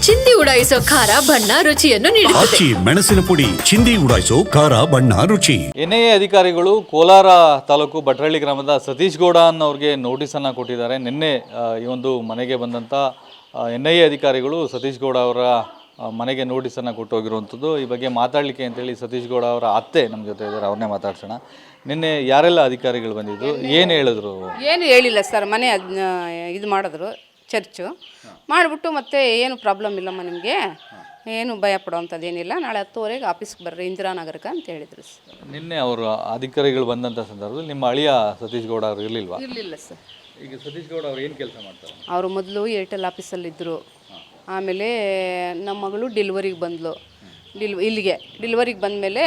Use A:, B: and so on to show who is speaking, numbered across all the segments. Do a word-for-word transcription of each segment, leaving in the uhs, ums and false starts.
A: ಚಿಂದಿ ಉಡಾಯಿಸೋ ಖಾರ ಬಣ್ಣ ರುಚಿಯನ್ನು ನೀಡುತ್ತದೆ.
B: ಆಚಿ ಮೆಣಸಿನ ಪುಡಿ ಚಿಂದಿ ಉಡಾಯಿಸೋ ಖಾರ ಬಣ್ಣ ರುಚಿ.
C: ಎನ್ ಐ ಎ ಅಧಿಕಾರಿಗಳು ಕೋಲಾರ ತಾಲೂಕು ಭಟ್ರಳ್ಳಿ ಗ್ರಾಮದ ಸತೀಶ್ ಗೌಡ ಅನ್ನೋರಿಗೆ ನೋಟಿಸನ್ನು ಕೊಟ್ಟಿದ್ದಾರೆ. ನಿನ್ನೆ ಈ ಒಂದು ಮನೆಗೆ ಬಂದಂಥ ಎನ್ ಐ ಎ ಅಧಿಕಾರಿಗಳು ಸತೀಶ್ ಗೌಡ ಅವರ ಮನೆಗೆ ನೋಟಿಸನ್ನು ಕೊಟ್ಟೋಗಿರುವಂಥದ್ದು. ಈ ಬಗ್ಗೆ ಮಾತಾಡಲಿಕ್ಕೆ ಅಂತೇಳಿ ಸತೀಶ್ ಗೌಡ ಅವರ ಅತ್ತೆ ನಮ್ಮ ಜೊತೆ ಇದ್ದಾರೆ, ಅವ್ರನ್ನೇ ಮಾತಾಡ್ಸೋಣ. ನಿನ್ನೆ ಯಾರೆಲ್ಲ ಅಧಿಕಾರಿಗಳು ಬಂದಿದ್ದು, ಏನು ಹೇಳಿದ್ರು?
D: ಏನು ಹೇಳಿಲ್ಲ ಸರ್, ಮನೆ ಇದು ಮಾಡಿದ್ರು, ಚರ್ಚು ಮಾಡಿಬಿಟ್ಟು ಮತ್ತೆ ಏನು ಪ್ರಾಬ್ಲಮ್ ಇಲ್ಲಮ್ಮ ನಿಮಗೆ, ಏನು ಭಯ ಪಡೋವಂಥದ್ದೇನಿಲ್ಲ, ನಾಳೆ ಹತ್ತುವರೆಗೆ ಆಫೀಸ್ಗೆ ಬರ್ರಿ ಇಂದಿರಾನಗರಕ್ಕೆ ಅಂತ ಹೇಳಿದರು ಸರ್.
C: ನಿನ್ನೆ ಅವರು ಅಧಿಕಾರಿಗಳು ಬಂದಂಥ ಸಂದರ್ಭದಲ್ಲಿ ನಿಮ್ಮ ಅಳಿಯ ಸತೀಶ್ ಗೌಡ ಅವರು ಇರಲಿಲ್ವಾ?
D: ಇರಲಿಲ್ಲ ಸರ್.
C: ಈಗ ಸತೀಶ್ ಗೌಡ ಅವ್ರು ಏನು ಕೆಲಸ ಮಾಡ್ತಾರೆ?
D: ಅವರು ಮೊದಲು ಏರ್ಟೆಲ್ ಆಫೀಸಲ್ಲಿದ್ದರು. ಆಮೇಲೆ ನಮ್ಮ ಮಗಳು ಡೆಲಿವರಿಗೆ ಬಂದಳು. ಡಿಲ್ ಇಲ್ಲಿಗೆ ಡೆಲಿವರಿಗೆ ಬಂದಮೇಲೆ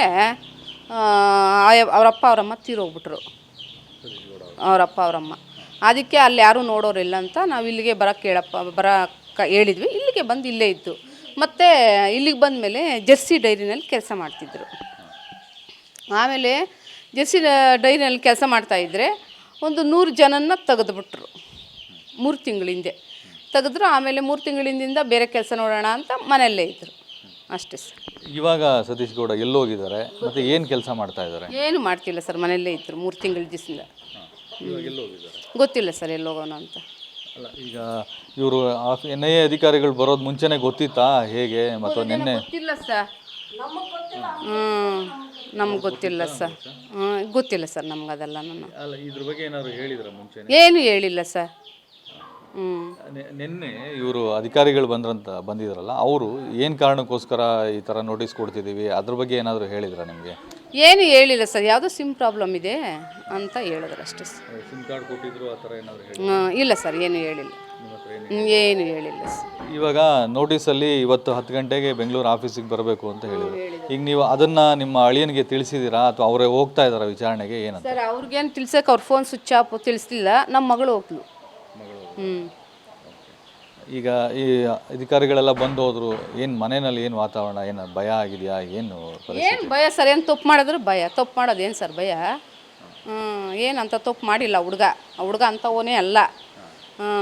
D: ಅವರಪ್ಪ ಅವರಮ್ಮ ತೀರೋಗ್ಬಿಟ್ರು. ಅವರಪ್ಪ ಅವರಮ್ಮ ಅದಕ್ಕೆ ಅಲ್ಲಿ ಯಾರೂ ನೋಡೋರಿಲ್ಲ ಅಂತ ನಾವು ಇಲ್ಲಿಗೆ ಬರೋಕ್ಕೆ ಹೇಳಪ್ಪ ಬರೋಕ್ಕೆ ಹೇಳಿದ್ವಿ. ಇಲ್ಲಿಗೆ ಬಂದು ಇಲ್ಲೇ ಇದ್ದು ಮತ್ತು ಇಲ್ಲಿಗೆ ಬಂದಮೇಲೆ ಜರ್ಸಿ ಡೈರಿನಲ್ಲಿ ಕೆಲಸ ಮಾಡ್ತಿದ್ರು. ಆಮೇಲೆ ಜರ್ಸಿ ಡೈರಿನಲ್ಲಿ ಕೆಲಸ ಮಾಡ್ತಾಯಿದ್ರೆ ಒಂದು ನೂರು ಜನನ ತೆಗೆದುಬಿಟ್ರು ಮೂರು ತಿಂಗಳಿಂದೆ ತೆಗೆದ್ರು. ಆಮೇಲೆ ಮೂರು ತಿಂಗಳಿಂದ ಬೇರೆ ಕೆಲಸ ನೋಡೋಣ ಅಂತ ಮನೆಯಲ್ಲೇ ಇದ್ದರು, ಅಷ್ಟೇ ಸರ್.
C: ಇವಾಗ ಸತೀಶ್ ಗೌಡ ಎಲ್ಲೋಗಿದ್ದಾರೆ ಮತ್ತು ಏನು ಕೆಲಸ ಮಾಡ್ತಾ ಇದ್ದಾರೆ?
D: ಏನು ಮಾಡ್ತಿಲ್ಲ ಸರ್, ಮನೆಯಲ್ಲೇ ಇದ್ದರು ಮೂರು ತಿಂಗಳ ದಿವಸದಿಂದ. ಗೊತ್ತಿಲ್ಲ ಸರ್ ಎಲ್ಲೋಗೋಣ ಅಂತ.
C: ಅಲ್ಲ, ಈಗ ಇವರು ಎನ್ ಐ ಎ ಅಧಿಕಾರಿಗಳು ಬರೋದು ಮುಂಚೆನೇ ಗೊತ್ತಿತ್ತಾ ಹೇಗೆ? ಮತ್ತು ನಿನ್ನೆ
D: ಗೊತ್ತಿಲ್ಲ ಸರ್. ಹ್ಞೂ ನಮ್ಗೆ ಗೊತ್ತಿಲ್ಲ ಸರ್. ಹ್ಞೂ ಗೊತ್ತಿಲ್ಲ ಸರ್ ನಮ್ಗೆ ಅದೆಲ್ಲ. ನಾನು
C: ಅಲ್ಲ, ಇದ್ರ ಬಗ್ಗೆ ಏನಾದ್ರು ಹೇಳಿದ್ರ ಮುಂಚೆ?
D: ಏನು ಹೇಳಿಲ್ಲ ಸರ್. ಹ್ಞೂ
C: ನಿನ್ನೆ ಇವರು ಅಧಿಕಾರಿಗಳು ಬಂದ್ರಂತ ಬಂದಿದ್ರಲ್ಲ, ಅವರು ಏನು ಕಾರಣಕ್ಕೋಸ್ಕರ ಈ ಥರ ನೋಟಿಸ್ ಕೊಡ್ತಿದ್ದೀವಿ ಅದ್ರ ಬಗ್ಗೆ ಏನಾದರೂ ಹೇಳಿದ್ರಾ ನಿಮಗೆ?
D: ಏನು ಹೇಳಿಲ್ಲ ಸರ್, ಯಾವುದೋ ಸಿಮ್ ಪ್ರಾಬ್ಲಮ್ ಇದೆ ಅಂತ ಹೇಳಿದ್ರು ಅಷ್ಟೇ ಸರ್.
C: ಸಿಮ್ ಕಾರ್ಡ್ ಕೊಟ್ಟಿದ್ರು ಆ ಥರ ಏನಾದರೂ ಹೇಳಿ?
D: ಹ್ಞೂ ಇಲ್ಲ ಸರ್, ಏನು ಹೇಳಿಲ್ಲ. ಏನು ಹೇಳಿಲ್ಲ ಸರ್.
C: ಇವಾಗ ನೋಟಿಸಲ್ಲಿ ಇವತ್ತು ಹತ್ತು ಗಂಟೆಗೆ ಬೆಂಗಳೂರು ಆಫೀಸಿಗೆ ಬರಬೇಕು ಅಂತ ಹೇಳಿದ್ರು. ಈಗ ನೀವು ಅದನ್ನು ನಿಮ್ಮ ಅಳಿಯನಿಗೆ ತಿಳಿಸಿದ್ದೀರಾ ಅಥವಾ ಅವರೇ ಹೋಗ್ತಾ ಇದ್ದಾರಾ ವಿಚಾರಣೆಗೆ? ಏನಂತ
D: ಸರ್, ಅವ್ರಿಗೇನು ತಿಳ್ಸಕ್ಕೆ ಅವ್ರ ಫೋನ್ ಸ್ವಿಚ್ ಆಫ್ ತಿಳಿಸ್ಲಿಲ್ಲ. ನಮ್ಮ ಮಗಳು ಹೋಗ್ಲು. ಹ್ಞೂ
C: ಈಗ ಈ ಅಧಿಕಾರಿಗಳೆಲ್ಲ ಬಂದು ಹೋದ್ರು, ಏನು ಮನೆಯಲ್ಲಿ ಏನು ವಾತಾವರಣ, ಏನು ಭಯ ಆಗಿದೆಯಾ? ಏನು
D: ಏನು ಭಯ ಸರ್? ಏನು ತಪ್ಪು ಮಾಡಿದ್ರು ಭಯ. ತಪ್ಪು ಮಾಡೋದು ಏನು ಸರ್ ಭಯ? ಹ್ಞೂ ಏನಂತ ತಪ್ಪು ಮಾಡಿಲ್ಲ ಹುಡುಗ. ಆ ಹುಡುಗ ಅಂಥವನೇ ಅಲ್ಲ. ಹ್ಞೂ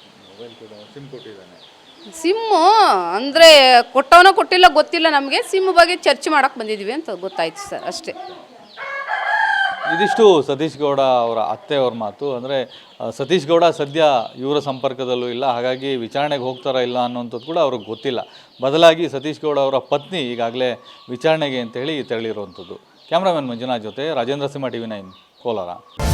D: ಸಿಮ್ಮು ಅಂದರೆ ಕೊಟ್ಟವನೋ ಕೊಟ್ಟಿಲ್ಲ ಗೊತ್ತಿಲ್ಲ ನಮಗೆ. ಸಿಮ್ ಬಗ್ಗೆ ಚರ್ಚೆ ಮಾಡೋಕ್ಕೆ ಬಂದಿದ್ವಿ ಅಂತ ಗೊತ್ತಾಯ್ತು ಸರ್, ಅಷ್ಟೇ.
C: ಇದಿಷ್ಟು ಸತೀಶ್ ಗೌಡ ಅವರ ಅತ್ತೆ ಅವ್ರ ಮಾತು. ಅಂದರೆ ಸತೀಶ್ ಗೌಡ ಸದ್ಯ ಇವರ ಸಂಪರ್ಕದಲ್ಲೂ ಇಲ್ಲ, ಹಾಗಾಗಿ ವಿಚಾರಣೆಗೆ ಹೋಗ್ತಾರಾ ಇಲ್ಲ ಅನ್ನೋಂಥದ್ದು ಕೂಡ ಅವ್ರಿಗೆ ಗೊತ್ತಿಲ್ಲ. ಬದಲಾಗಿ ಸತೀಶ್ ಗೌಡ ಅವರ ಪತ್ನಿ ಈಗಾಗಲೇ ವಿಚಾರಣೆಗೆ ಅಂತೇಳಿ ತೆರಳಿರುವಂಥದ್ದು. ಕ್ಯಾಮ್ರಾಮನ್ ಮಂಜುನಾಥ್ ಜೊತೆ Rajendra Simha, T V nine, Kolar.